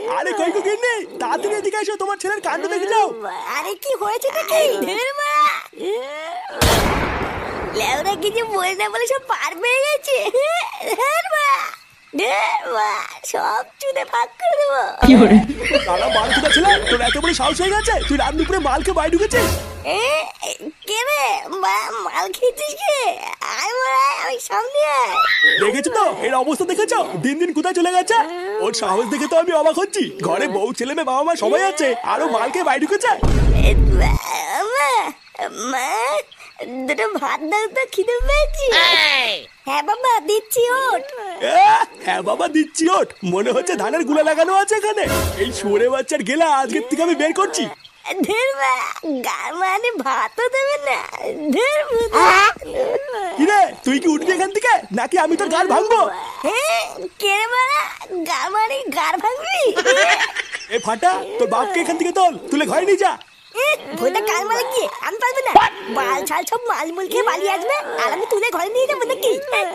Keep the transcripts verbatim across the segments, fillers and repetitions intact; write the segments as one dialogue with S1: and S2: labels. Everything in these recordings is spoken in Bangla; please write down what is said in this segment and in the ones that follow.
S1: আরে কই কই গিন্নি, তাড়াতাড়ি এদিকে এসো, তোমার ছেলের কাণ্ড দেখে যাও।
S2: আরে কি হয়েছে নাকি? লেওরা কিছু বলে না বলে সব পার পেয়ে গেছে। সব চুদে ভাগ করে দেবো।
S1: তারা মাল কোথা ছিল, তোর এত বড় সাহস হয়ে গেছে তুই রাত দুপুরে মালকে বাইরে ঢুকেছিস?
S2: কে রে মাল খেয়েছিস কে? আয় আমি সামনে আয়।
S1: দেখেছো তো এর অবস্থা, দেখেছো দিন দিন কোথায় চলে গেছে। ওর সাহস দেখে তো আমি অবাক হচ্ছি। ঘরে বউ ছেলে মেয়ে বাবা মা সবাই আছে, আরো মালকে বাইরে ঢুকেছে।
S2: মা দুটো ভাত দাও তো, খিদে পেয়েছি। হ্যাঁ বাবা দিচ্ছি, ওঠ।
S1: হ্যাঁ বাবা দিচ্ছি, ওঠ। মনে হচ্ছে ধানের গুলা লাগানো আছে এখানে। এই শুয়োরে বাচ্চার গেলা আজকের থেকে আমি বের করছি।
S2: গার মানে ভাতও দেবে না।
S1: কিরে তুই কি উঠবি এখান থেকে নাকি আমি তোর গার ভাঙবো?
S2: কে রে গার মানে গার ভাঙবি?
S1: এ ফাটা, তোর বাপকে এখান থেকে তোল, তুলে ঘরে নিয়ে যা।
S2: ভোটা কার মারে গিয়ে আমি পারবো না। মাল ছাল সব মাল মুল খেয়ে পালিয়ে আসবে আর আমি তুলে ঘরে নিয়ে যাবো নাকি?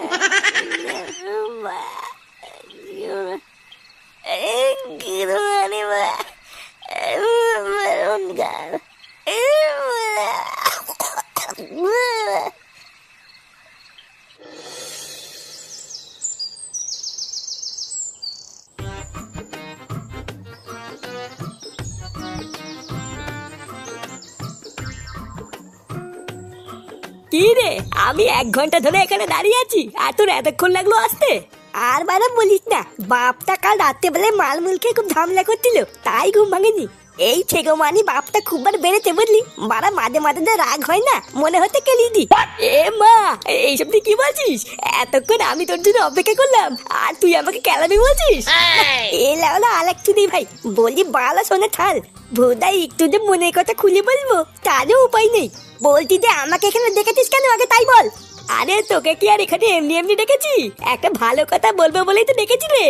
S2: কি রে, আমি এক ঘন্টা ধরে এখানে দাঁড়িয়ে আছি আর তোর এতক্ষণ লাগলো আসতে? আর বারা বলিস না, বাপটা কাল রাত্রে বেলা মাল মুল খেয়ে খুব ঝামেলা করছিল, তাই ঘুম ভাঙেনি। এই ছেগো মানি বাপটা খুব বার বেড়েছে বুঝলি। বারা মাঝে মাঝে যা রাগ হয় না, মনে হতে কেলি দি। এ মা, এইসব তুই কি বলছিস? এতক্ষণ আমি তোর জন্য অপেক্ষা করলাম আর তুই আমাকে কেলামি বলছিস? এ লাউলা আলেক তুই ভাই বলি বালা শোনে থাল। ভোদাই একটু যে মনের কথা খুলে বলবো তারও উপায় নেই। বলতি যে আমাকে এখানে দেখেছিস কেন আগে তাই বল। আরে তোকে কি আর এখানে এমনি এমনি ডেকেছি? একটা ভালো কথা বলবো বলেই তো ডেকেছি রে।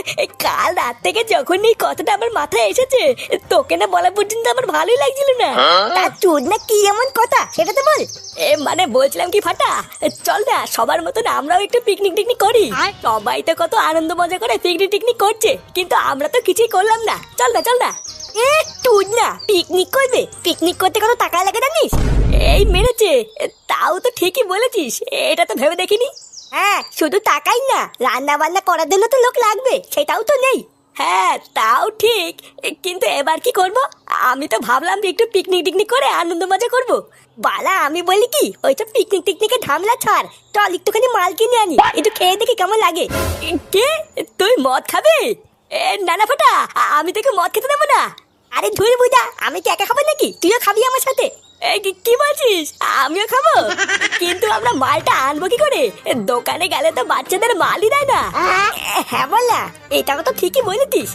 S2: কাল রাত থেকে যখন এই কথাটা আমার মাথায় এসেছে, তোকে না বলা পর্যন্ত আমার ভালোই লাগছিল না। তার চোদ না কি এমন কথা সেটা তো বল। এ মানে বলছিলাম কি ফাটা, চল না সবার মতন আমরাও একটু পিকনিক টিকনিক করি। সবাই তো কত আনন্দ মজা করে পিকনিক টিকনিক করছে, কিন্তু আমরা তো কিছুই করলাম না। চল না চল না। এ তুই না পিকনিক করবে? পিকনিক করতে কত টাকা লাগে জানিস? এই মেরেছে, তাও তো ঠিকই বলেছিস, এটা তো ভেবে দেখিনি। হ্যাঁ শুধু টাকাই না, রান্না বান্না করার জন্য তো লোক লাগবে, সেটাও তো নেই। হ্যাঁ তাও ঠিক, কিন্তু এবার কি করব? আমি তো ভাবলাম যে একটু পিকনিক টিকনিক করে আনন্দ মজা করব। বালা আমি বলি কি, ওইসব পিকনিক টিকনিকে ঝামেলা ছাড়, চল একটুখানি মাল কিনে আনি, একটু খেয়ে দেখি কেমন লাগে। কে তুই মদ খাবে? এ না না ফাটা, আমি তোকে মদ খেতে দেবো না। আরে ধুর বুঝা, আমি কি একা খাবো নাকি? তুইও খাবি আমার সাথে? কি বলছিস? আমিও খাবো, কিন্তু আমরা মালটা আনবো কি করে? দোকানে গেলে তো বাচ্চাদের মালই দেয় না। হ্যাঁ বললা, এটা তো ঠিকই বলেছিস।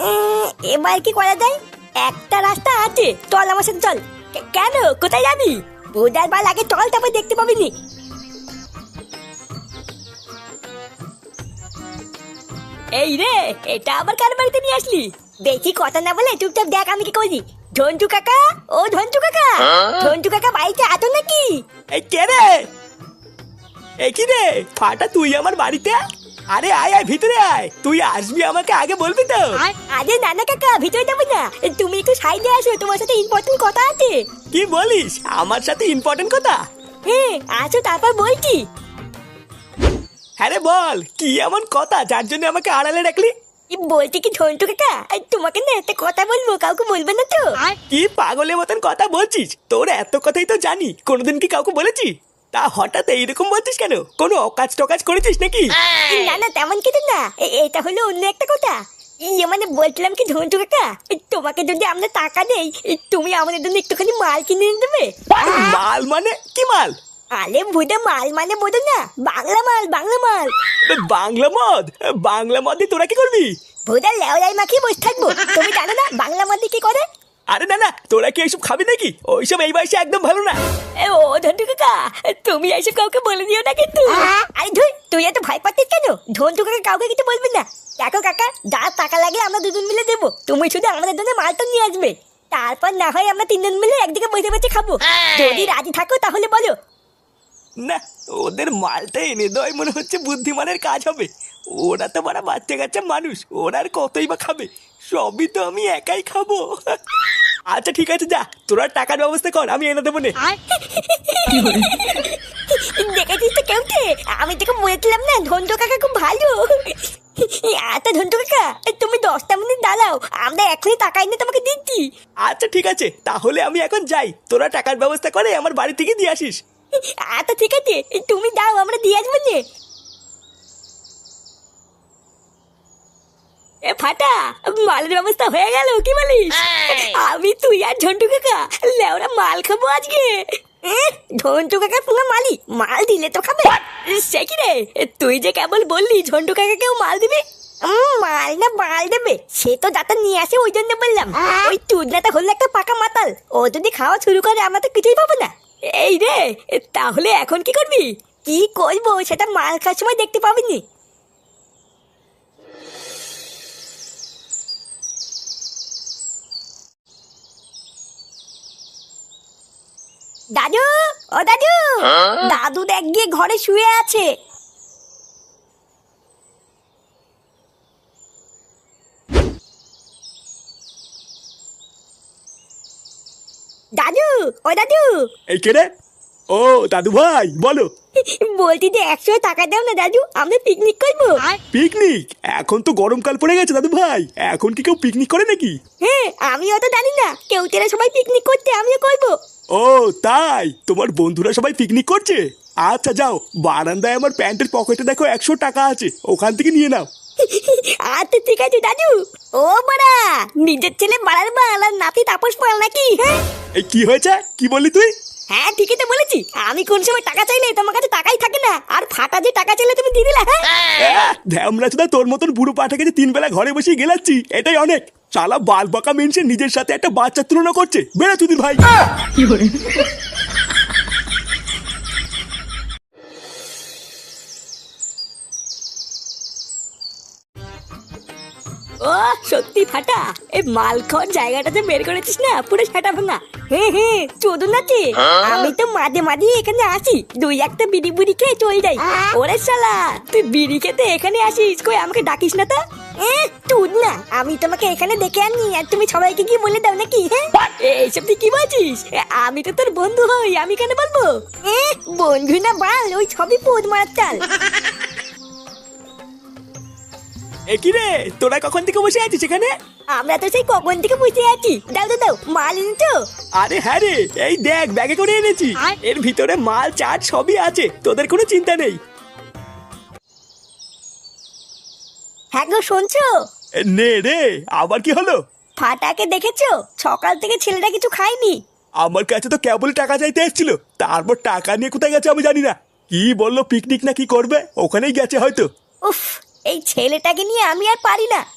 S2: এবার কি করা যায়? একটা রাস্তা আছে, চল আমার সাথে চল। কেন, কোথায় যাবি? বুধার বাল আগে চল, তারপর দেখতে পাবি নি। এই রে, এটা আবার কার বাড়িতে নিয়ে আসলি? বেশি কথা না বলে চুপচাপ দেখ আমি কি করি। ঝন্টু কাকা, ও ঝন্টু কাকা, ঝন্টু কাকা বাড়িতে আছো নাকি?
S1: এই কে রে? এই কি রে ফাটা, তুই আমার বাড়িতে? আরে আয় আয় ভিতরে আয়, তুই আসবি আমাকে আগে বলবি তো।
S2: আরে নানা কাকা ভিতরে যাবো না, তুমি একটু সাইডে আসো, তোমার সাথে ইম্পর্টেন্ট কথা আছে।
S1: কি বলিস? আমার সাথে ইম্পর্টেন্ট কথা?
S2: হ্যাঁ আসো, তারপর বলছি।
S1: হ্যাঁ রে বল, কি এমন কথা যার জন্য আমাকে আড়ালে রাখলি?
S2: বলছি কি ঝন্টু কাকা, তোমাকে না একটা কথা বলবো, কাউকে বলবে না তো?
S1: কি পাগলের মতন কথা বলছিস? তোর এত কথাই তো জানি, কোনোদিন কি কাউকে বলেছি? তা হঠাৎ এইরকম বলছিস কেন? কোনো অকাজ টকাজ করেছিস নাকি?
S2: না না তেমন কিছু না, এটা হলো অন্য একটা কথা। ইয়ে মানে বলছিলাম কি ঝন্টু কাকা, তোমাকে যদি আমরা টাকা দেই, তুমি আমাদের জন্য একটুখানি মাল কিনে এনে দেবে।
S1: মাল মানে কি মাল?
S2: আরে বুঝে মাল মানে বোঝো না, বাংলা মাল, বাংলা মাল।
S1: বাংলা মদ? বাংলা মদ দিয়ে তোরা কি করবি?
S2: ভুদা লেওলাই মাখিয়ে বসে থাকবো, তুমি জানো না বাংলা মদ দিয়ে কি করে?
S1: আরে না না, তোরা কি এইসব খাবি নাকি? ওইসব এই বয়সে একদম ভালো না।
S2: ও ঝন্টু কাকা, তুমি এইসব কাউকে বলে দিও না কিন্তু। আরে ধুই, তুই এত ভয় পাচ্ছিস কেন? ঝন্টু কাকা কাউকে কিছু বলবি না। দেখো কাকা, যা টাকা লাগে আমরা দুজন মিলে দেবো, তুমি শুধু আমাদের জন্য মালটা নিয়ে আসবে। তারপর না হয় আমরা তিনজন মিলে একদিকে বসে বসে খাবো। যদি রাজি থাকো তাহলে বলো।
S1: না, ওদের মালটা এনে দেওয়াই মনে হচ্ছে বুদ্ধিমানের কাজ হবে। ওরা তো বড় বাচ্চা কাচ্চা মানুষ, ওরা আর কতই বা খাবে, সবই তো আমি একাই খাবো। আচ্ছা ঠিক আছে, যা তোরা টাকার ব্যবস্থা কর, আমি এনে দেবো নে।
S2: দেখেছিস তো কেউটে, আমি তোকে বলেছিলাম না ধন্টু কাকা খুব ভালো। আচ্ছা ধন্টু কাকা, তুমি দশটা মিনিট দাঁড়াও, আমরা এখনই টাকা এনে তোমাকে দিচ্ছি।
S1: আচ্ছা ঠিক আছে, তাহলে আমি এখন যাই, তোরা টাকার ব্যবস্থা করে আমার বাড়ি থেকে দিয়ে আসিস।
S2: আচ্ছা ঠিক আছে, তুমি দাও, আমরা দিয়ে আসবো নে। এ ফাটা, মালের ব্যবস্থা হয়ে গেল কি বলিস? আমি তুই আর ঝন্টু কাকা লেওরা মাল খাবো আজকে। এ, ঝন্টু কাকা পুরো মালি, মাল দিলে তো খাবে। সে কি রে, তুই যে কেবল বললি ঝন্টু কাকা কেউ মাল দিবে। উম, মাল না মাল দেবে সে তো যাতে নিয়ে আসে, ওই জন্য বললাম। ওই চুদনাটা হলো একটা পাকা মাতাল, ও যদি খাওয়া শুরু করে আমরা তো কিছুই পাবো না। এই রে, তাহলে এখন কি করবি? কি করবো সেটা মাল খাওয়ার সময় দেখতে পাবিনি। দাদু, ও দাদু, দাদু দেখ গিয়ে ঘরে শুয়ে আছে। দাদু, ও দাদু,
S1: এই কে রে? ও দাদু ভাই বলো।
S2: বলছি যে একশো টাকা দাও না দাদু, আমরা পিকনিক করবো।
S1: পিকনিক? এখন তো গরমকাল পড়ে গেছে দাদু ভাই, এখন কি কেউ পিকনিক করে নাকি?
S2: হ্যাঁ, আমিও তো জানি না, কেউ তেরা সবাই পিকনিক করতে, আমিও করবো।
S1: ও তাই, তোমার বন্ধুরা সবাই পিকনিক করছে? আচ্ছা যাও, বারান্দায় আমার প্যান্টের পকেটে দেখো একশো টাকা আছে, ওখান থেকে নিয়ে নাও।
S2: আচ্ছা ঠিক আছে দাদু। ও বাড়া, নিজের ছেলে বাড়ার বাল আর নাতি তাপস পাল নাকি? হ্যাঁ
S1: এই কি হয়েছে, কি বললি তুই?
S2: হ্যাঁ ঠিকই তো বলেছি, আমি কোন সময় টাকা চাইলে তোমার কাছে টাকাই থাকে না, আর ফাটা যে টাকা চাইলে তুমি দিয়ে দিলা। হ্যাঁ
S1: ধ্যামরা চোদা, তোর মতন বুড়ো পাঠাকে যে তিন বেলা ঘরে বসে গেলাচ্ছি এটাই অনেক। শালা বাল বাঁকা মেনছে নিজের সাথে একটা বাচ্চার তুলনা করছে, বেড়া তুই ভাই।
S2: ও সত্যি ফাটা, এই মাল খাওয়ার জায়গাটাতে বের করেছিস না, পুরো সেটা ভাঙা। হ্যাঁ হ্যাঁ, চোদন আছে। আমি তো মাঝে মাঝে এখানে আসি, দুই একটা বিড়ি বুড়ি খেয়ে চলে যাই। ওরে শালা, তুই বিড়ি খেতে এখানে আসিস, কই আমাকে ডাকিস না তো? এ তুই না, আমি তোমাকে এখানে দেখে আনি আর তুমি সবাইকে কি বলে দাও নাকি? হ্যাঁ এইসব তুই কি বলছিস? আমি তো তোর বন্ধু হই, আমি কেন বলবো? এ বন্ধু না বাল, ওই সবই পোদ মারার চাল।
S1: এ কি রে, তোরা কখন থেকে বসে আছিস এখানে?
S2: আমরা তো সেই কখন থেকে বুঝতে আছি। দাও দাও দাও, মাল এনেছো?
S1: আরে হ্যাঁ রে, এই দেখ ব্যাগে করে এনেছি, এর ভিতরে মাল চাট সবই আছে, তোদের কোনো চিন্তা নেই।
S2: হ্যাঁ গো শুনছো?
S1: এ, নে রে, আবার কি হলো?
S2: ফাটাকে দেখেছো? সকাল থেকে ছেলেটা কিছু খায়নি।
S1: আমার কাছে তো কেবল টাকা চাইতে এসেছিল, তারপর টাকা নিয়ে কোথায় গেছে আমি জানি না। কি বললো পিকনিক না কি করবে, ওখানেই গেছে হয়তো।
S2: উফ, এই ছেলেটাকে নিয়ে আমি আর পারি না।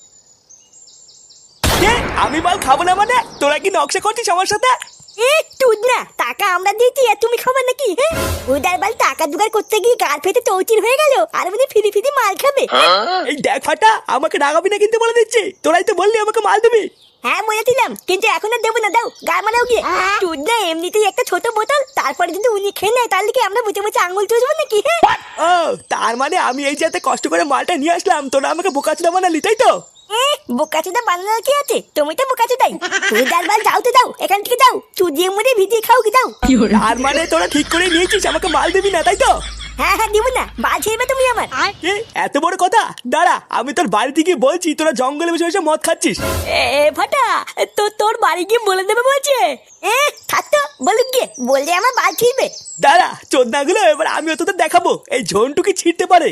S1: কে, আমি মাল খাবো না মানে? তোরা কি নকশা করছিস আমার সাথে?
S2: এ তুই না, টাকা আমরা দিয়েছি আর তুমি খাবে নাকি? হ্যাঁ উদার বাল টাকা জোগাড় করতে গিয়ে গাল ফেটে চৌচির হয়ে গেল, আর মানে ফিরি ফিরি মাল খাবে।
S1: এই দেখ ফাটা, আমাকে রাগাবি না কিন্তু বলে দিচ্ছি, তোরাই তো বললি আমাকে মাল দিবি।
S2: হ্যাঁ বলেছিলাম, কিন্তু এখন আর দেবো না, দাও গায়ে মারাও গিয়ে। তুই না এমনিতেই একটা ছোট বোতল, তারপরে যদি উনি খেয়ে নেয় তাহলে কি আমরা বুঝে বুঝে আঙুল চুষবো নাকি? হ্যাঁ
S1: ও তার মানে আমি এই যাতে কষ্ট করে মালটা নিয়ে আসলাম, তোরা আমাকে বোকাচোদা বানালি তাই তো?
S2: বোকাচোদা বানানোর কি আছে, তুমি তো বোকাচোদাই। তুই ডালবাল যাও তো যাও, এখান থেকে যাও, চুদিয়ে মুড়ে ভিজিয়ে খাও কি যাও।
S1: তার মানে তোরা ঠিক করে নিয়েছিস আমাকে মাল দিবি না তাই তো?
S2: হ্যাঁ হ্যাঁ দিব না, বাল ছেড়বে তুমি আমার।
S1: কি এত বড় কথা? দাঁড়া, আমি তোর বাড়িতে গিয়ে বলছি তোরা জঙ্গলে বসে বসে মদ খাচ্ছিস।
S2: এ ফাটা, তো তোর বাড়ি গিয়ে বলে দেবে বলছে। এ থাকতো বলুক গিয়ে, বললে আমার বাল ছিড়বে।
S1: দাঁড়া চোদনাগুলো, এবার আমিও তোদের দেখাবো এই ঝন্টু কি ছিঁড়তে পারে।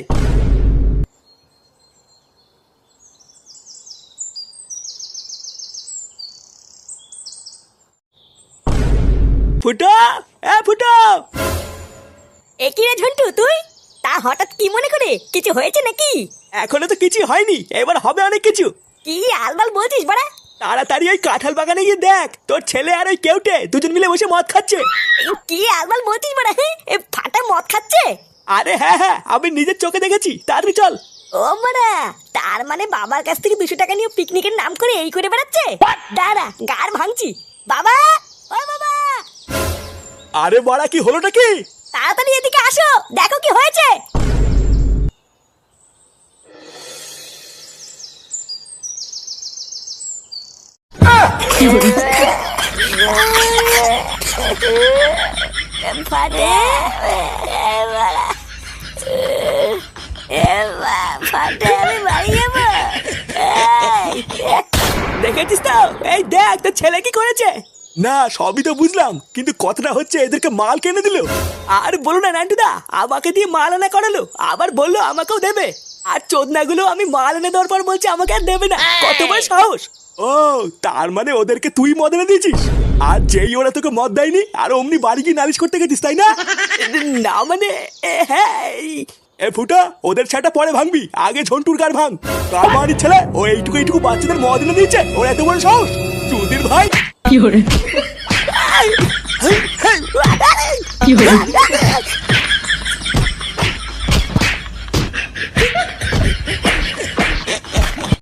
S1: ফুটো, এ ফুটো।
S2: এ কি রে ঝন্টু তুই? তা হঠাৎ কি মনে করে, কিছু হয়েছে নাকি?
S1: এখনো তো কিছু হয়নি, এবার হবে অনেক কিছু।
S2: কি আলবাল বলছিস বাড়া?
S1: তাড়াতাড়ি ওই কাঁঠাল বাগানে গিয়ে দেখ, তোর ছেলে আর ওই কেউটে দুজন মিলে বসে মদ খাচ্ছে।
S2: কি আলবাল বলছিস বাড়া? হ্যাঁ এ ফাটা মদ খাচ্ছে?
S1: আরে হ্যাঁ হ্যাঁ, আমি নিজের চোখে দেখেছি, তাড়াতাড়ি চল।
S2: ও বাড়া, তার মানে বাবার কাছ থেকে দুশো টাকা নিয়ে পিকনিকের নাম করে এই করে বেড়াচ্ছে। দাঁড়া গার ভাঙছি। বাবা, ও বাবা।
S1: আরে বড়া, কি হলোটা কি?
S2: তাড়াতাড়ি এদিকে আসো, দেখো কি হয়েছে। ফাটে ফাটে আমি বাড়ি যাবো।
S1: দেখেছিস তো, এই দেখ তোর ছেলে কি করেছে। না সবই তো বুঝলাম, কিন্তু কথাটা হচ্ছে এদেরকে মাল কিনে দিল। আর বলো না নান্টুদা, আমাকে দিয়ে মাল আনা করালো, আবার বললো আমাকেও দেবে। আর চোদনাগুলো আমি মাল এনে দেওয়ার পর বলছে আমাকে আর দেবে না। কত বড় সাহস! ও তার মানে ওদেরকে তুই মদ এনে দিয়েছিস, আর যেই ওরা তোকে মদ দেয়নি আর অমনি বাড়ি গিয়ে নালিশ করতে গেছিস, তাই না? না মানে এ, হ্যাঁ এই- এ ফুটা, ওদের ছাটা পরে ভাঙবি, আগে ঝন্টুর কার ভাঙ। কার বাড়ির ছেলে ও এইটুকু এইটুকু বাচ্চাদের মদ এনে দিয়েছে, ওর এত বড় সাহস! চুদির ভাই
S2: কি হরে কি হরে